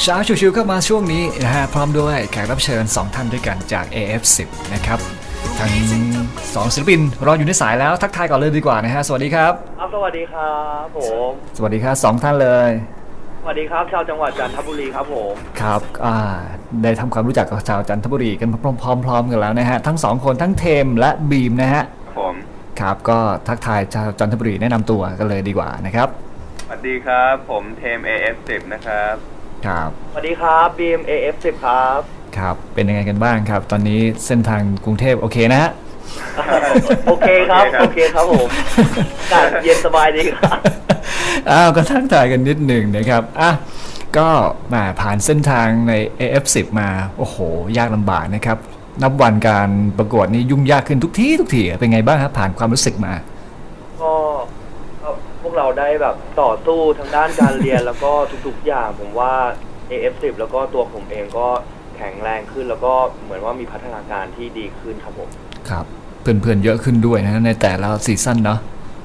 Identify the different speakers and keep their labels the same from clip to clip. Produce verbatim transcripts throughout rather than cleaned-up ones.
Speaker 1: ช้าชิวๆก็มาช่วงนี้นะฮะพร้อมด้วยแขกรับเชิญสองท่านด้วยกันจาก เอ เอฟ สิบ นะครับทั้งสองศิลปินรออยู่ในสายแล้วทักทายก่อนเลยดีกว่านะฮะสวัสดีครับ
Speaker 2: ครับสวัสดีครับผม
Speaker 1: สวัสดีครับสองท่านเลย
Speaker 2: สวัสดีครับชาวจังหวัดจันทบุรีครับผม
Speaker 1: ครับอ่าได้ทำความรู้จักกับชาวจันทบุรีกันพร้อมๆกันแล้วนะฮะทั้งสองคนทั้งเทมและบีมนะฮะ
Speaker 3: ผม
Speaker 1: ครับก็ทักทายชาวจันทบุรีแนะนำตัวกันเลยดีกว่านะครับ
Speaker 3: สวัสดีครับผมเทม เอ เอฟ สิบ นะครับ
Speaker 1: ครับ
Speaker 2: สวัสดีครับบีม เอ เอฟ สิบ ครับ
Speaker 1: ครับเป็นยังไงกันบ้างครับตอนนี้เส้นทางกรุงเทพโอเคนะฮะ
Speaker 2: โอเคครับโอเคครับผมอากาศเย็นสบายดีครับ
Speaker 1: อ้าวก็ทักทายกันนิดหนึ่งนะครับอ่ะก็มาผ่านเส้นทางใน เอ เอฟ สิบ มาโอ้โหยากลำบากนะครับนับวันการประกวดนี่ยุ่งยากขึ้นทุกทีทุกทีเป็นไงบ้างครับผ่านความรู้สึกมา
Speaker 2: ก็พวกเราได้แบบต่อสู้ทางด้านการเรียนแล้วก็ทุกๆอย่างผมว่า เอ เอฟ สิบ แล้วก็ตัวผมเองก็แข็งแรงขึ้นแล้วก็เหมือนว่ามีพัฒนาการที่ดีขึ้นครับผม
Speaker 1: ครับเพื่อนๆเยอะขึ้นด้วยนะในแต่ละซีซั่นเนาะ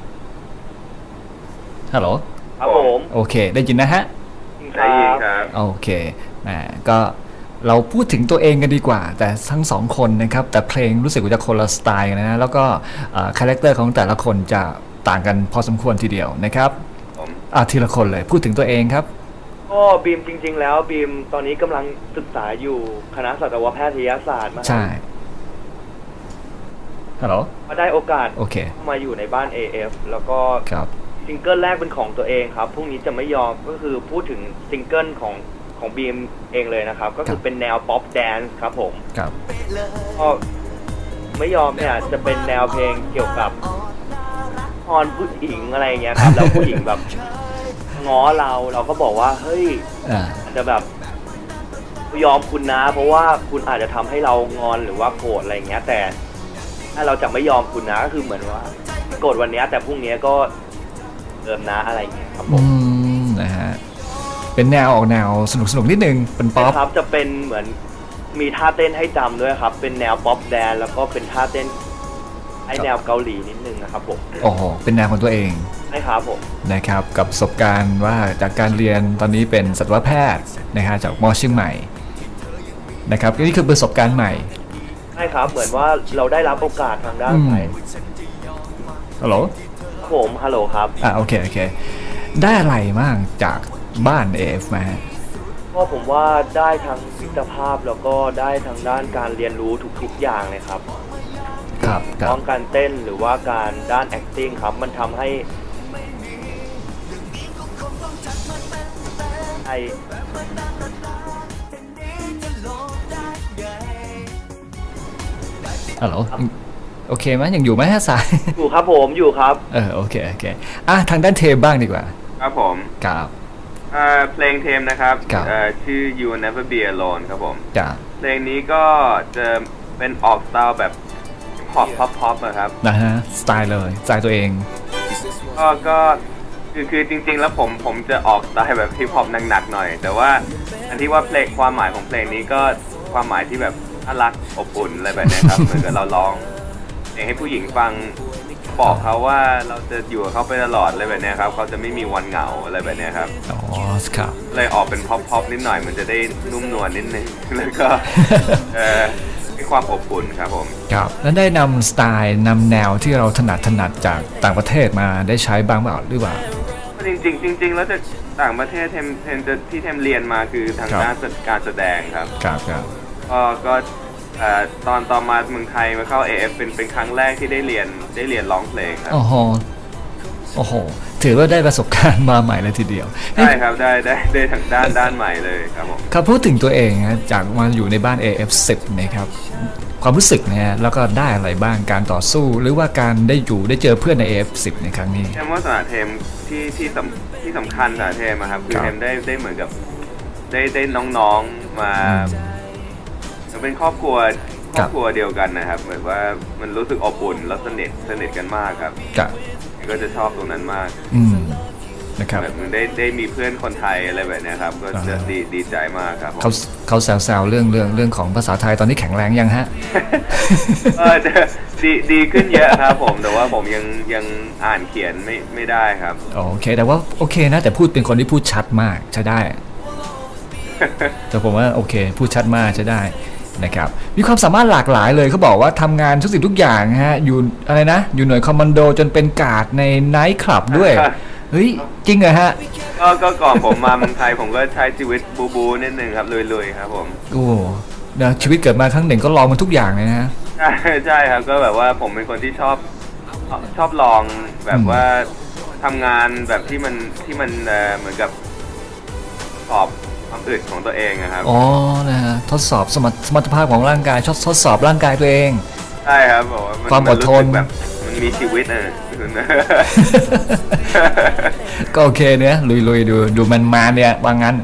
Speaker 1: ฮัลโหล
Speaker 2: ครับผม
Speaker 1: โอเคได้ยินนะฮะ
Speaker 3: ได้ยินครับ
Speaker 1: โอเคนะก็เราพูดถึงตัวเองกันดีกว่าแต่ทั้งสองคนนะครับแต่เพลงรู้สึกว่าจะคนละสไตล์กันนะแล้วก็คาแรคเตอร์ของแต่ละคนจะต่างกันพอสมควรทีเดียวนะครับอ่ะทีละคนเลยพูดถึงตัวเองครับ
Speaker 2: ก็บีมจริงๆแล้วบีมตอนนี้กำลังศึกษาอยู่คณะสัตวแพทยศาสตร์มา
Speaker 1: ใช่ฮัลโหล
Speaker 2: มาได้โอกาส
Speaker 1: โอเค
Speaker 2: มาอยู่ในบ้าน เอ เอฟ แล้วก็ซิงเกิลแรกเป็นของตัวเองครับพรุ่งนี้จะไม่ยอมก็คือพูดถึงซิงเกิลของของบีมเองเลยนะครับก็คือเป็นแนวป๊อปแดนซ์ครับผม
Speaker 1: ครับ
Speaker 2: ก็ไม่ยอมเนี่ยจะเป็นแนวเพลงเกี่ยวกับฮอนผู้หญิงอะไรเงี้ยครับแล้วผู้หญิงแบบง้อเราเราก็บอกว่าเฮ้ยอาจจะแบบยอมคุณนะเพราะว่าคุณอาจจะทำให้เรางอนหรือว่าโกรธอะไรเงี้ยแต่ถ้าเราจะไม่ยอมคุณนะก็คือเหมือนว่าโกรธวันนี้แต่พรุ่งนี้ก็เติมนะอะไรเงี้ยครับผม
Speaker 1: นะฮะเป็นแนวออกแนวสนุกสนุกนิดนึงเป็นป๊อป
Speaker 2: ครับจะเป็นเหมือนมีท่าเต้นให้จำด้วยครับเป็นแนวป๊อปแดนแล้วก็เป็นท่าเต้นไอแนวเกาหลีนิดนึงนะครับผม
Speaker 1: โอ้โหเป็นแนวของตัวเอง
Speaker 2: ใช่ครับผม
Speaker 1: นะครับกับประสบการณ์ว่าจากการเรียนตอนนี้เป็นสัตวแพทย์นะฮะจากมอเชียงใหม่นะครับนี่คือประสบการณ์ใหม่
Speaker 2: ใช่ครับเหมือนว่าเราได้รับโอกาสทางด้านไหน
Speaker 1: ฮัลโหล
Speaker 2: ผมฮัลโหลครับ
Speaker 1: อ่าโอเคโอเคได้อะไรบ้างจากบ้าน เอ เอฟ มา
Speaker 2: ก็ผมว่าได้ทั้งมิตรภาพแล้วก็ได้ทางด้านการเรียนรู้ทุกๆอย่างเลยครับ
Speaker 1: ครับ
Speaker 2: ทั้งการเต้นหรือว่าการด้าน acting ครับมันทำให้ไอ
Speaker 1: ฮัลโหลโอเคไหมยังอยู่ไหมฮะสาย
Speaker 2: อยู่ครับผมอยู่ครับ
Speaker 1: เออโอเคโอเคอ่ะทางด้านเทมบ้างดีกว่า
Speaker 3: ครับผม
Speaker 1: ครับ
Speaker 3: เพลงเทมนะครับชื่อ You Never Be Alone ครับผมเพลงนี้ก็จะเป็นออกสไตล์แบบพอปพ็อปพ็อปนะครับ
Speaker 1: นะฮะสไตล์เลยสไตล์ตัวเอง
Speaker 3: ก็ก็คือคือจริงๆแล้วผมผมจะออกสไตล์แบบฮิปฮอปหนักๆหน่อยแต่ว่าอันที่ว่าเพลงความหมายของเพลงนี้ก็ความหมายที่แบบน่ารักอบอุ่นอะไรแบบนี้ครับเหมือนกับเราร้องเพลงให้ผู้หญิงฟังบอกเขาว่าเราจะอยู่กับเขาไปตลอดอะไรแบบนี้ครับเขาจะไม่มีวันเหงาอะไรแบบนี้ครับ
Speaker 1: อ๋อครับ
Speaker 3: เลยออกเป็นพ็อปพ็อปนิดหน่อยมันจะได้นุ่มนวลนิดนึงแล้วก็เออมีความอบอุ่นครับผม
Speaker 1: ครับแล้วได้นำสไตล์นำแนวที่เราถนัดถนัดจากต่างประเทศมาได้ใช้บ้างเปล่าหรือเปล่า
Speaker 3: จริงจริงจริงแล้วจะต่างประเทศเทมเทมจะที่เทมเรียนมาคือทางด้านการแสดงครับ
Speaker 1: ครับครับ
Speaker 3: ก็ก็ตอนตอนมาเมืองไทยมาเข้า เอ เอฟ เป็นเป็นครั้งแรกที่ได้เรียนได้เรียนร้องเพลงครับ
Speaker 1: โอ้โหโอ้โหถือว่าได้ประสบการณ์มาใหม่เลยทีเดียว
Speaker 3: ใช่ครับได้ได้ได้ทางด้านด้านใหม่เลยครับผม
Speaker 1: ครับพูดถึงตัวเองนะจากมาอยู่ในบ้าน เอ เอฟ สิบ นะครับความรู้สึกนะฮะแล้วก็ได้อะไรบ้างการต่อสู้หรือว่าการได้อยู่ได้เจอเพื่อนใน เอ เอฟ สิบ ในครั้งนี้
Speaker 3: เทมว่าสถานเทมที่ที่สำที่สำคัญสถานเทมครับคือเทมได้ได้เหมือนกับได้ได้น้องๆมาเป็นครอบครัวครอบครัวเดียวกันนะครับเหมือนว่ามันรู้สึกอบอุ่นแล้วสนิทสนิทกันมากครับก็จะชอบตรงนั้นมาก
Speaker 1: นะครับ
Speaker 3: แบบมันได้ได้มีเพื่อนคนไทยอะไรแบบนี้ครับก็จะดีดีใจมากครับ
Speaker 1: เขาเขาแซวๆเรื่องเรื่องเรื่องของภาษาไทยตอนนี้แข็งแรงยังฮะ
Speaker 3: เออดีดีขึ้นเยอะครับผมแต่ว่าผมยังยังอ่านเขียนไม่ไม่ได้ครับ
Speaker 1: โอเคแต่ว่าโอเคนะแต่พูดเป็นคนที่พูดชัดมากใช้ได้แต่ผมว่าโอเคพูดชัดมากจะได้นะครับมีความสามารถหลากหลายเลยเขาบอกว่าทำงานทุกสิ่งทุกอย่างฮะอยู่อะไรนะอยู่หน่วยคอมมานโดจนเป็นการ์ดในไนท์คลับด้วยเฮ้ยจริงเหรอฮะ
Speaker 3: ก็ก็ก่อนผมมาเมืองไทยผมก็ใช้ชีวิตบูบูนิดนึงครับลุยๆครับผม
Speaker 1: โอ้นะชีวิตเกิดมาครั้งหนึ่งก็ลองมันทุกอย่างเลยนะฮะ
Speaker 3: ใช่ใช่ครับก็แบบว่าผมเป็นคนที่ชอบชอบลองแบบว่าทำงานแบบที่มันที่มันเอ่อเหมือนกับสอบความอึดของตัวเองนะครับ
Speaker 1: อ๋อนะฮะทดสอบสมรรถสมรรถภาพของร่างกายทดทดสอบร่างกายตัวเอง
Speaker 3: ใช่ครับบอกว่า
Speaker 1: ความอดทน
Speaker 3: แบบมันมีชีวิตนะ
Speaker 1: ก็โอเคเนี่ยลุยๆดูดูมันมาเนี่ยว่างั้น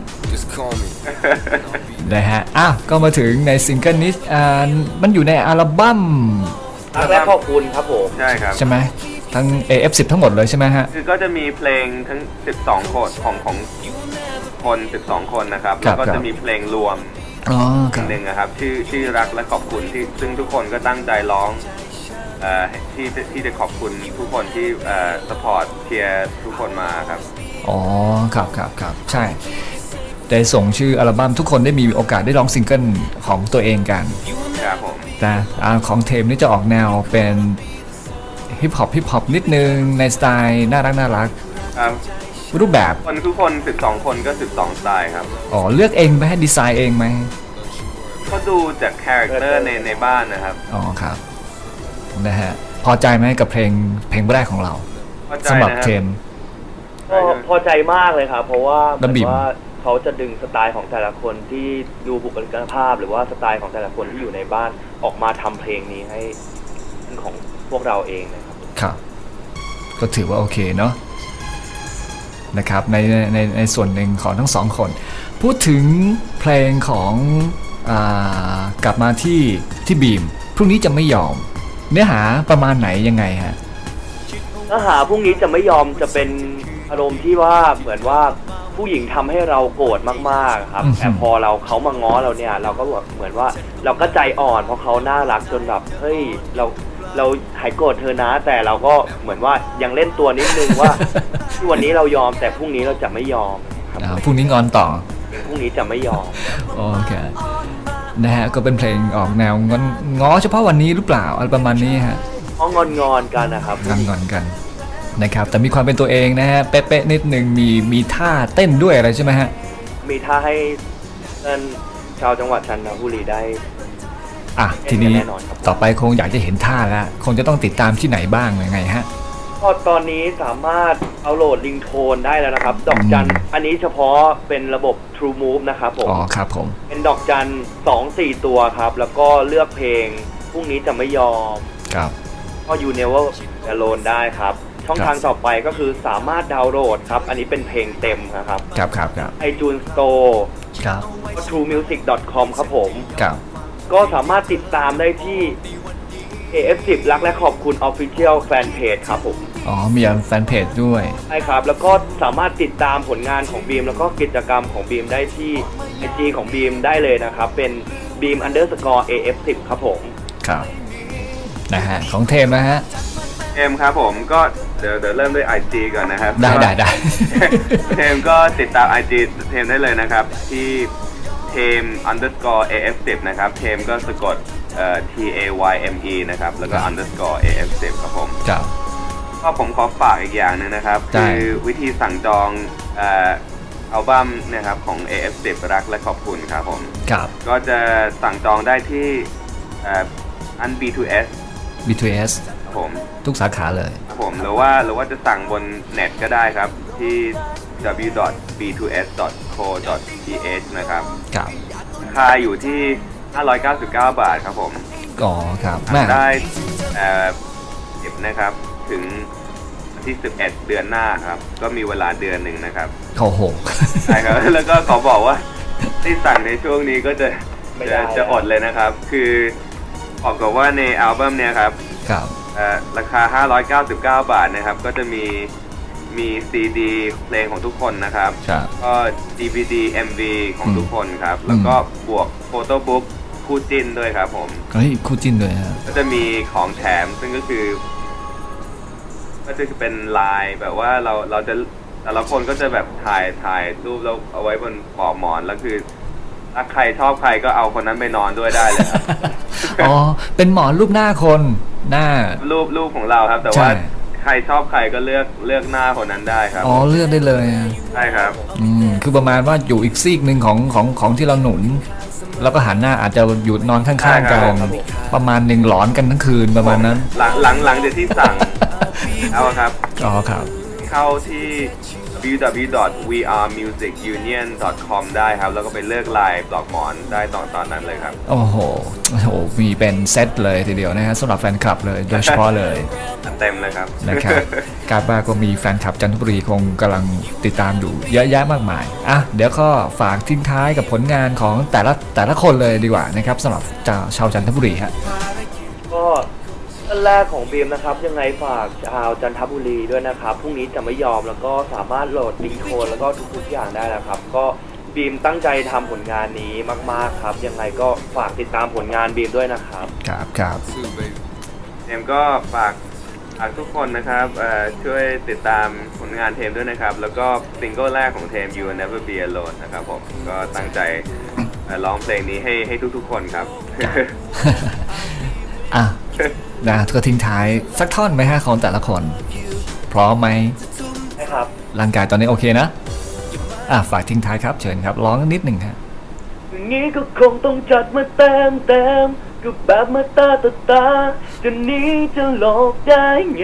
Speaker 1: นะฮะอ้าวก็มาถึงในซิงเกิลนี้อ่ามันอยู่ในอัลบั้ม
Speaker 2: รักและขอบคุณครับผม
Speaker 3: ใช่ครับ
Speaker 1: ใช่ไหมทั้ง เอ เอฟ สิบ ทั้งหมดเลยใช่ไหมฮะ
Speaker 3: คือก็จะมีเพลงทั้งสิบสองคนของของคนสิบสองคนนะครับแล้วก็จะมีเพลงรวมอีกหนึ่งนะครับชื่อชื่อรักและขอบคุณที่ซึ่งทุกคนก็ตั้งใจร้องเอ่อที่ที่จะขอบคุณทุกคนที่เอ่อสปอร์ตเชียร์ทุกคนมาครับ
Speaker 1: อ๋อครับครับครับใช่ได้ส่งชื่ออัลบั้มทุกคนได้มีโอกาสได้ร้องซิงเกิลของตัวเองกัน
Speaker 3: ครับผม
Speaker 1: แต่ของเทมนี่จะออกแนวเป็นฮิปฮอปฮิปฮอปนิดนึงในสไตล์น่ารักน่ารัก
Speaker 3: ครับ
Speaker 1: รูปแบบ
Speaker 3: คนทุกคนสิบสองคนก็สิบสองสไตล์ครับ
Speaker 1: อ๋อเลือกเองไหมให้ดีไซน์เองไหม
Speaker 3: ก็ดูจากคาแรคเตอร์ในในบ้านนะครับ
Speaker 1: อ๋อครับนะฮะพอใจไหมกับเพลงเพลงแรกของเราสำหรับเทม
Speaker 2: ก็พอใจมากเลยครับเพราะว่าเหมือนว่าเขาจะดึงสไตล์ของแต่ละคนที่ดูบุคลิกภาพหรือว่าสไตล์ของแต่ละคนที่อยู่ในบ้านออกมาทำเพลงนี้ให้เป็นของพวกเราเองนะครับ
Speaker 1: ครับก็ถือว่าโอเคเนาะนะครับในในในส่วนหนึ่งของทั้งสองคนพูดถึงเพลงของอ่ากลับมาที่ที่บีมพรุ่งนี้จะไม่ยอมเนื้อหาประมาณไหนยังไงฮะ
Speaker 2: เนื้อหาพรุ่งนี้จะไม่ยอมจะเป็นอารมณ์ที่ว่าเหมือนว่าผู้หญิงทำให้เราโกรธมากๆครับแต่พอเราเขามาง้อเราเนี่ยเราก็แบบเหมือนว่าเราก็ใจอ่อนเพราะเขาน่ารักจนแบบเฮ้ยเราเราหายโกรธเธอนะแต่เราก็เหมือนว่ายังเล่นตัวนิดนึงว่าที่วันนี้เรายอมแต่พรุ่งนี้เราจะไม่ยอม
Speaker 1: ครับพรุ่งนี้งอนต่อ
Speaker 2: พรุ่งนี้จะไม่ยอม
Speaker 1: โอเคนะฮะก็เป็นเพลงออกแนวงอนง้อเฉพาะวันนี้หรือเปล่าอะไรประมาณนี้ฮะ
Speaker 2: ง้องอนงอนกันนะครับ
Speaker 1: งอนงอนกันนะครับแต่มีความเป็นตัวเองนะฮะเป๊ะๆนิดนึงมีมีท่าเต้นด้วยอะไรใช่ไหมฮะ
Speaker 2: มีท่าให้ท่านชาวจังหวัดชันทบุรีได้
Speaker 1: อ่ะทีนี้ต่อไปคงอยากจะเห็นท่าแล้วคงจะต้องติดตามที่ไหนบ้างยังไงฮะ
Speaker 2: ก็ตอนนี้สามารถเอาโหลดลิงโทนได้แล้วนะครับดอกจันอันนี้เฉพาะเป็นระบบ True Move นะครับผม
Speaker 1: อ๋อครับผม
Speaker 2: เป็นดอกจันสองสี่ตัวครับแล้วก็เลือกเพลงพรุ่งนี้จะไม่ยอม
Speaker 1: ครับ
Speaker 2: ก็ You Never Alone ได้ครับช่องทางต่อไปก็คือสามารถดาวน์โหลดครับอันนี้เป็นเพลงเต็มนะครับ
Speaker 1: ครับครับครับ
Speaker 2: iTunes Store
Speaker 1: ครับ
Speaker 2: ทรูมิวสิก ดอท คอม ครับผม
Speaker 1: ครับ
Speaker 2: ก็สามารถติดตามได้ที่ เอ เอฟ สิบ รักและขอบคุณ Official Fanpage ครับผม
Speaker 1: อ๋อมีแฟนเพจด้วย
Speaker 2: ใช่ครับแล้วก็สามารถติดตามผลงานของบีมแล้วก็กิจกรรมของบีมได้ที่ ไอ จี ของบีมได้เลยนะครับเป็น beam underscore เอ เอฟ สิบ ครับผม
Speaker 1: ครับนะฮะของเทมนะฮะ
Speaker 3: เทมครับผมก็เดี๋ยวเดี๋ยวเริ่มด้วย ไอ จี ก่อนนะครับ
Speaker 1: ได้ได้ได้
Speaker 3: เทมก็ติดตาม ไอ จี เทมได้เลยนะครับที่เทม underscore เอ เอฟ สิบ นะครับเทมก็สะกดเอ่อ ที เอ วาย เอ็ม อี นะครับแล้วก็ underscore เอ เอฟ สิบ ครับผม
Speaker 1: ครับ
Speaker 3: ก็ผมขอฝากอีกอย่างนึงนะครับคือวิธีสั่งจองเอ่ออัลบั้มนะครับของ เอ เอฟ สิบ รักและขอบคุณครับผม
Speaker 1: ครับ
Speaker 3: ก็จะสั่งจองได้ที่เอ่ออัน บี ทู เอส
Speaker 1: บี ทู เอส
Speaker 3: ครับผม
Speaker 1: ทุกสาขาเลย
Speaker 3: ครับผมหรือว่าหรือว่าจะสั่งบนเน็ตก็ได้ครับที่ ดับเบิลยู ดอท บี ทู เอส ดอท โค ดอท ที เอช นะครับ
Speaker 1: ครับ
Speaker 3: ราคาอยู่ที่ห้าร้อยเก้าสิบเก้าบาทครับผม
Speaker 1: อ๋อครับ
Speaker 3: ได้เอ่อสิบนะครับถึงที่สิบเอ็ดเดือนหน้าครับก็มีเวลาเดือนหนึ่งนะครับ
Speaker 1: โอ้โห
Speaker 3: ใช่ครับแล้วก็ขอบอกว่าที่สั่งในช่วงนี้ก็จะจะจะอดเลยนะครับคือบอกกับว่าในอัลบั้มเนี้ยครับ
Speaker 1: ครับ
Speaker 3: ราคาห้าร้อยเก้าสิบเก้าบาทนะครับก็จะมีมีซีดีเพลงของทุกคนนะครับก็ดี วี ดี เอ็ม วี ของทุกคนครับแล้วก็บวกโฟโต้บุ๊กคู่จิ้นด้วยครับผม
Speaker 1: เฮ้ยคู่จิ้นด้วยฮะ
Speaker 3: ก็จะมีของแถมซึ่งก็คือก็จะเป็นลายแบบว่าเราเราจะแต่ละคนก็จะแบบถ่ายถ่ายรูปแล้วเอาไว้บนปลอกหมอนแล้วคือถ้าใครชอบใครก็เอาคนนั้นไปนอนด้วยได้เลยครับ
Speaker 1: อ๋อเป็นหมอนรูปหน้าคนหน้า
Speaker 3: รูปรูปของเราครับ แต่
Speaker 1: ใช่
Speaker 3: ว่าใครชอบใครก็เลือกเลือกหน้าคนนั้นได้ครับ
Speaker 1: อ๋อเลือกได้เลยอะ
Speaker 3: ใช่ครับ
Speaker 1: อืมคือประมาณว่าอยู่อีกซีกหนึ่งของของของที่เราหนุน แล้วก็หันหน้าอาจจะอยู่นอนข้างๆกัน
Speaker 2: ครับผม
Speaker 1: ประมาณหนึ่งหลอนกันทั้งคืนประมาณนั้น
Speaker 3: หลังหลังหลังจากที่สั่ง เอาครับ
Speaker 1: อ๋อครับ
Speaker 3: เข้าที่ ดับเบิลยู ดับเบิลยู ดับเบิลยู ดอท วี อาร์ มิวสิก ยูเนียน ดอท คอม ได้ครับ แล้วก็ไปเลือกลายปลอกหมอนได้ตอนตอนนั้นเลยครับ
Speaker 1: โอ้โหโอ้โหมีเป็นเซตเลยทีเดียวนะฮะสำหรับแฟนคลับเลยโดยเฉพาะเลย
Speaker 3: เต็มเลยครับ
Speaker 1: นะครับการบ้าก็มีแฟนคลับจันทบุรีคงกำลังติดตามอยู่เยอะแยะมากมายอ่ะเดี๋ยวก็ฝากทิ้งท้ายกับผลงานของแต่ละแต่ละคนเลยดีกว่านะครับสำหรับชาวจันทบุรีฮะ
Speaker 2: ก็ท่านแรกของบีมนะครับ ยังไงฝากชาวจันทบุรีด้วยนะครับพรุ่งนี้จะไม่ยอมแล้วก็สามารถโหลดลิงก์โคนแล้วก็ทุกๆอย่างได้นะครับ ก็บีมตั้งใจทำผลงานนี้มากๆครับ ยังไงก็ฝากติดตามผลงานบีมด้วยนะครับ
Speaker 1: ครับครับ
Speaker 3: เทมก็ฝากฝากทุกคนนะครับเอ่อช่วยติดตามผลงานเทมด้วยนะครับ แล้วก็ซิงเกิลแรกของเทม You Will Never Be Alone นะครับผมก็ตั้งใจเอ่อร้องเพลงนี้ให้ให้ทุกๆคนครับ
Speaker 1: อ่ะนะก็ทิ้งท้ายสักท่อนไหมฮะของแต่ละคน พร้อมไหม
Speaker 2: นะครับ
Speaker 1: ร่างกายตอนนี้โอเคนะอ่ะฝากทิ้งท้ายครับเชิญครับร้องนิดหนึ่งฮะ
Speaker 2: อย่างนี้ก็คงต้องจัดมาเต็มเต็มก็แบบมาตาต่อตาจะหนี้จะหลอกได้ไง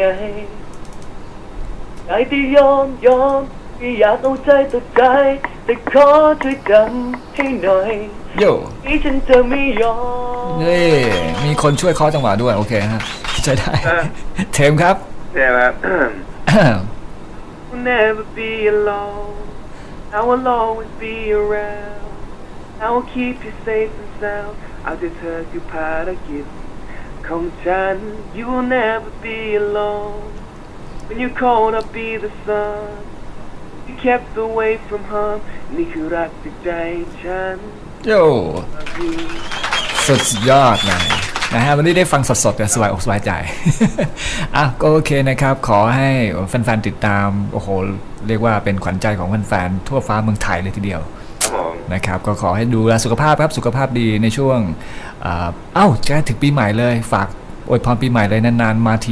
Speaker 2: ใจที่ยอมยอมที่อยากเอาใจต่อใจแต่ขอช่วยจำให้หน่อย
Speaker 1: โย่
Speaker 2: ที่ฉันจะไม่ยอม
Speaker 1: เย้มีคนช่วยเคาะจังหวะด้วยโอเคฮะใช้ได้
Speaker 3: เออ
Speaker 1: เทมครับ
Speaker 3: ใช่ครับ We'll never be alone. I will always be around. I will keep you safe and sound. เอาใจเธอคือภารกิจของฉัน You will never be alone. When you're cold, I'll be the sun. You kept away from harm. นี่คือรักจากใจฉัน
Speaker 1: โย่สุดยอดเลยนะฮะวันนี้ได้ฟังสดๆแต่สบายอกสบายใจ อ่ะก็โอเคนะครับ ขอให้แฟนๆติดตามโอ้โหเรียกว่าเป็นขวัญใจของแฟนๆทั่วฟ้าเมืองไทยเลยทีเดียว
Speaker 3: ครับผม
Speaker 1: นะครับก็ขอให้ดูแลสุขภาพครับสุขภาพดีในช่วงเอ่อเอ้าจะถึงปีใหม่เลยฝากอวยพรปีใหม่เลยนานๆมาที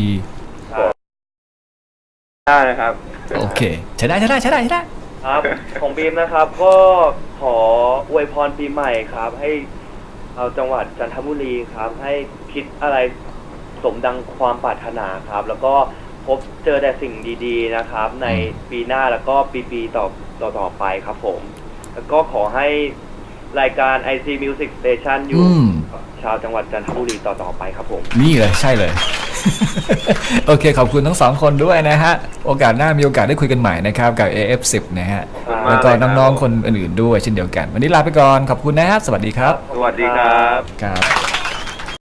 Speaker 3: ได้นะครับ
Speaker 1: โอเคใช้ได้ใช้ได้ใช้ได้ใช้ได้
Speaker 2: ครับ ของบีมนะครับก็ขออวยพรปีใหม่ครับ ให้เอาจังหวัดจันทบุรีครับ ให้คิดอะไรสมดังความปรารถนาครับ แล้วก็พบเจอแต่สิ่งดีๆนะครับ ในปีหน้าแล้วก็ปีๆต่อต่อต่อไปครับผม แล้วก็ขอให้รายการ ไอ ซี Music Station อยู่
Speaker 1: อืม
Speaker 2: กับชาวจังหวัดจันทบุรีต่อต่อไปครับผม
Speaker 1: นี่เลยใช่เลย โอเคขอบคุณทั้งสองคนด้วยนะฮะโอกาสหน้ามีโอกาสได้คุยกันใหม่นะครับกับ เอ เอฟ สิบ นะฮะ
Speaker 2: ครับ
Speaker 1: แล้วก็น้องๆคนอื่นๆด้วยเช่นเดียวกัน วันนี้ลาไปก่อนขอบคุณนะฮะสวัสดีครับ
Speaker 3: สวัสดีครับ
Speaker 1: ครับ